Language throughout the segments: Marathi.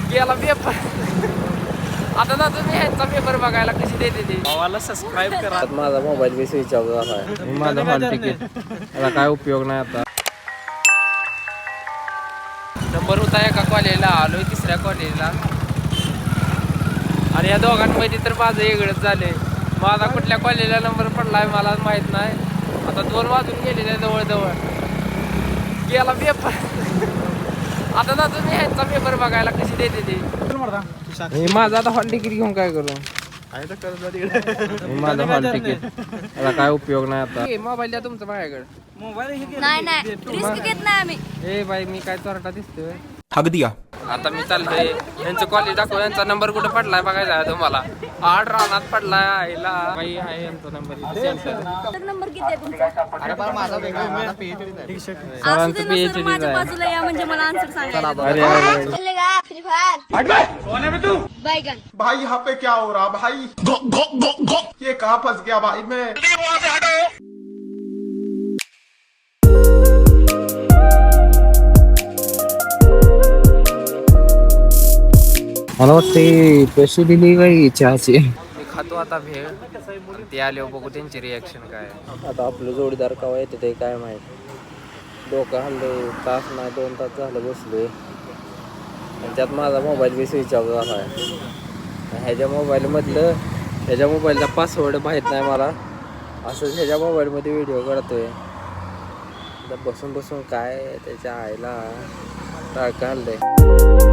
गेला पेपर. आता ना तुम्ही ह्यांचा पेपर बघायला कशी देते ती भावाला सबस्क्राईब करा. माझा मोबाईल बी स्विच ऑफ झाला आहे. माझा हॉल तिकीट याला काय उपयोग नाही आता. नंबर होता एका कॉलेजला आलोय तिसऱ्या कॉलेजला आणि या दोघांमध्ये तर माझं वेगळंच झालंय. माझा कुठल्या कॉलेजला नंबर पडलाय मला माहित नाही. आता 2 वाजून गेलेले जवळ गेला पेपर. आता ना तुम्ही ह्यांचा पेपर बघायला कशी देते ती. माझा आता हॉल तिकीट घेऊन काय करू. माझं हॉल तिकीट याला काय उपयोग नाही आता. मोबाईल द्या तुमचा माझ्याकडे. नाही रिस्क घेत नाही आम्ही. ए बाई मी काय चोरटा दिसतोय. ठग दिया. आता मी चाललोय यांचं कॉलेज दाखव. यांचा नंबर कुठे पडलाय बघायचा आहे तुम्हाला. 8 रानात पडलाय आईला. बाई आहे यांचा नंबर सेंटर. नंबर किती आहे तुमचा? सरांचं PhD माझ्या बाजूला या म्हणजे मला आन्सर सांगायला. अरे बैगन भाई यहाँ पे क्या हो रहा भाई? ये कहाँ फंस गया भाई मैं? मला वाटते पैसे दिली काही चहाची. मी खातो आता भेळ. ते आले बघू त्यांची रिॲक्शन काय. आता आपलं जोडीदार केव्हा येते ते काय माहित. डोकं हल्लं तास नाही 2 तास झालं बसलोय. त्यात माझा मोबाईल बी स्विच ऑफ झाला आहे. ह्याच्या मोबाईलचा पासवर्ड माहीत नाही मला. असंच ह्याच्या मोबाईलमध्ये व्हिडिओ काढतोय. बसून काय त्याच्या आईला टाळकं हल्लंय.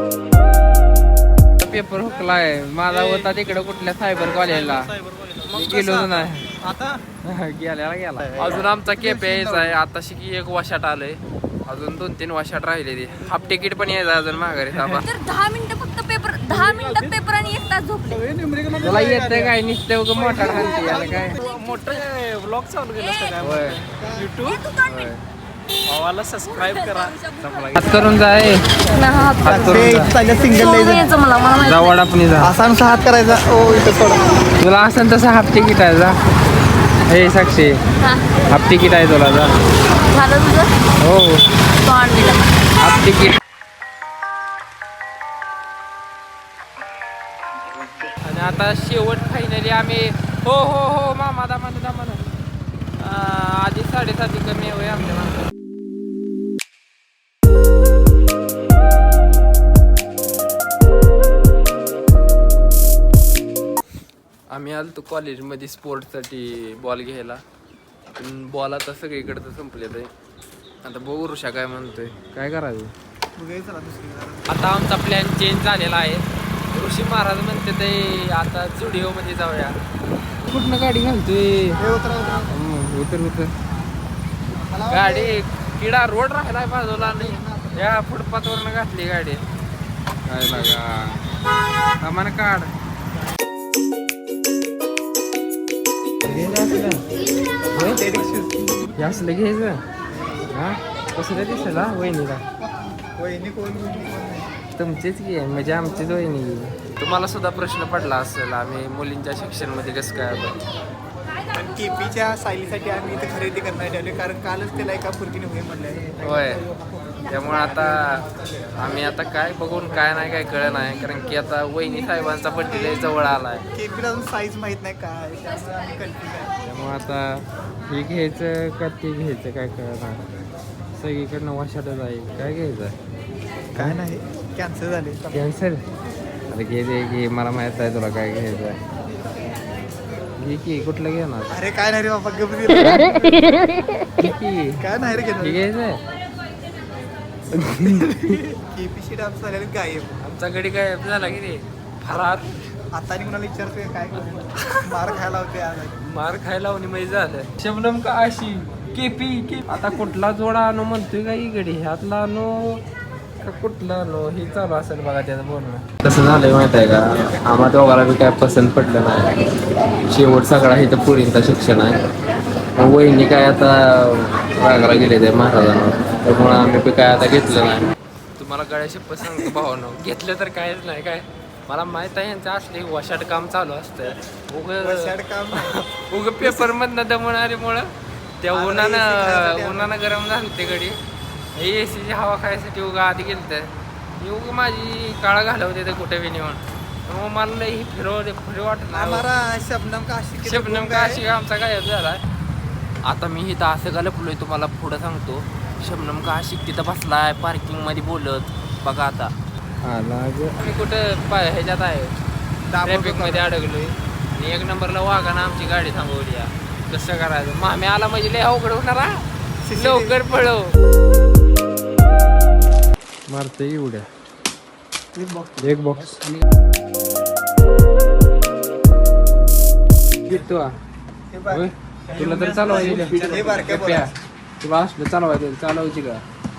पेपर हुकलाय माझा होता तिकडे कुठल्या सायबर कॉलेजला. गेलो नाही आता. गेला अजून आमचा केप यायचा आहे. आता शिकी 1 वाशाट आलंय. अजून 2-3 वाशाट राहिले ते. हाफ तिकीट पण यायचं अजून माघारी. तर 10 मिनिटं फक्त पेपर. 10 मिनिटात पेपर आणि 1 तास झोपले. तुला येतंय काय नुसते मोठा खालती याला काय मोठं ब्लॉग चालू केलं असतं काय होय. युट्यूब भावाला सबस्क्राईब करा. हात करून जाय. हात करून जा वडापणी जा. असा नुसता हात करायचा. ओ इथं सोडा. तुला असं तसं हाफ तिकीट आहे जा. हे साक्षी हाफ तिकीट आहे तुला जा. झालं तुझं? हो तो आणलेला हाफ तिकीट. आणि आता शेवट फायनली आम्ही हो मामा दामा आधी 7:30 कमी होय आमच्या माणसं. आम्ही आलो कॉलेजमध्ये स्पोर्ट्ससाठी बॉल घ्यायला. पण बॉल आता सगळीकडे तर संपलेलं आहे. आता बघू ऋषा काय म्हणतोय काय करायचं. आता आमचा प्लॅन चेंज झालेला आहे. ऋषी महाराज म्हणते ते आता स्टुडिओमध्ये जाऊया. कुठनं गाडी घालतोय. उतर गाडी किडा रोड राहिलाय बाजूला नाही. या फुटपाथवरनं घातली गाडी. काय लागा सामान काढ. असलं घ्यायचं हा. कसं दिसेल हा वहिनीला. तुमचीच की म्हणजे आमचीच वहिनी. तुम्हाला सुद्धा प्रश्न पडला असेल आम्ही मुलींच्या शिक्षणमध्ये कसं काय आलो. पण केपीच्या सायलीसाठी आम्ही इथे खरेदी करण्यात ठेवले कारण कालच त्याला एका फुरकीने होय म्हणलं. होय त्यामुळे आता आम्ही आता काय बघून काय नाही काय कळलं नाही. कारण की आता वहिनी साहेबांचा बड्डे जवळ आलाय. केपीला अजून साईज माहित नाही काय त्यामुळे आम्ही कन्फ्युज आहे. त्यामुळे आता हे घ्यायचं का ते घ्यायचं काय कळलं नाही. सगळीकडनं वाशाट जाईल. काय घ्यायचं काय नाही कॅन्सल झाले. कॅन्सल. अरे घे मला माहित आहे तुला काय घ्यायचं आहे. घे की कुठलं घेणार. अरे काय नाही रे बाबा गप्प काय नाही रे घ्यायचं. केपीशी डान्स झालेला गायब. आमचा गडी काय झाला की रे फरार. आता आणि कुणाला विचारतोय काय मार खायला होते आज. मार खायला होणी माहिती झालं. शबनम का अशी केपी आता कुठला जोडा आणू म्हणतोय का गडी. ह्यातला आणू का कुठला आणू हे चालू असेल बघा त्याचं बोलणं. कसं झालंय माहित आहे का आम्हा दोघाला बी काय पसंत पडलं नाही. शेवट सगळा इथं पुरींचा शिक्षण आहे. वहिनी काय आता रागाला गेले ते महाराजांना. त्यामुळं आम्ही बी काय आता घेतलं नाही. तुम्हाला गळ्याशी पसंत भावनं घेतलं तर कायच नाही काय. मला माहित आहे यांचं असले वशाट काम चालू असतं. उग पेपर मधनं दमवणारीमुळं त्या उन्हानं गरम झालं ते गडी. एसीची हवा खायसाठी उगा आधी गेलं योग माझी काळा घालवते ते कुठे बी नेऊन मग मला लई फिरव वाटत नाही हमारा शबनम का आशिक शबनम का आशिक आमचा गायब झाला. आता मी इथं असं का लपलोय तुम्हाला पुढं सांगतो. शबनम का आशिक तिथं बसलाय पार्किंग मध्ये बोलत बघा आता मी कुठं ह्याच्यात आहे ट्रॅफिक मध्ये अडकलोय आणि 1 नंबरला वाघानं आमची गाडी थांबवली. कसं करायचं मामी आला म्हणजे लय अवघड होणार हा. लवकर पळव मारते एवढ्या एक बॉक्स तुला तर चालवायचं तुला असलं चालवायचं चालवायची का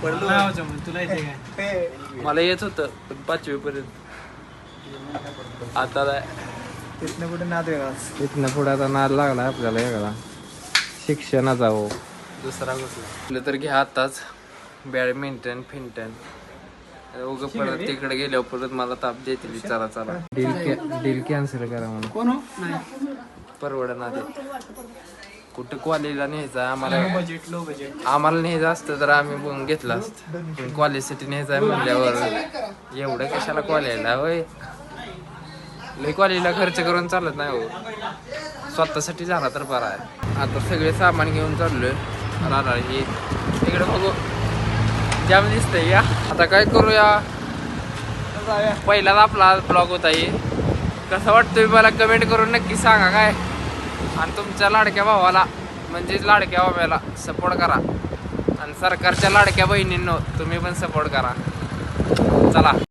मला येत होतं पण 5वी पर्यंत आता तिथनं कुठे नाद वेगळा इथनं पुढे आता नाद लागला आपल्याला वेगळा शिक्षणाचा हो दुसरा कुठला तर घ्या आताच बॅडमिंटन फिंटन उगं परत तिकडे गेल्यावर परत मला ताप देतील चला चला डील कॅन्सल करा म्हणून कोण हो परवडणार ते कुठं कॉलेजला न्यायचं आम्हाला बजेट लो बजेट आम्हाला न्यायचं असतं तर आम्ही बघून घेतलं असतं पण कॉलेजसाठी न्यायचं आहे म्हणल्यावर एवढं कशाला कॉलेजला होय लई कॉलेजला खर्च करून चालत नाही हो स्वतःसाठी झाला तर बरा आहे. आता सगळे सामान घेऊन चाललोय राहणार हे इकडे बघू जाम दिसतंय या आता काय करूया पहिलाच आपला ब्लॉग होता हे कसं वाटतोय मला कमेंट करून नक्की सांगा काय आणि तुमच्या लाडक्या भावाला म्हणजेच लाडक्या भावाला सपोर्ट करा आणि सरकारच्या लाडक्या बहिणींनो तुम्ही पण सपोर्ट करा चला.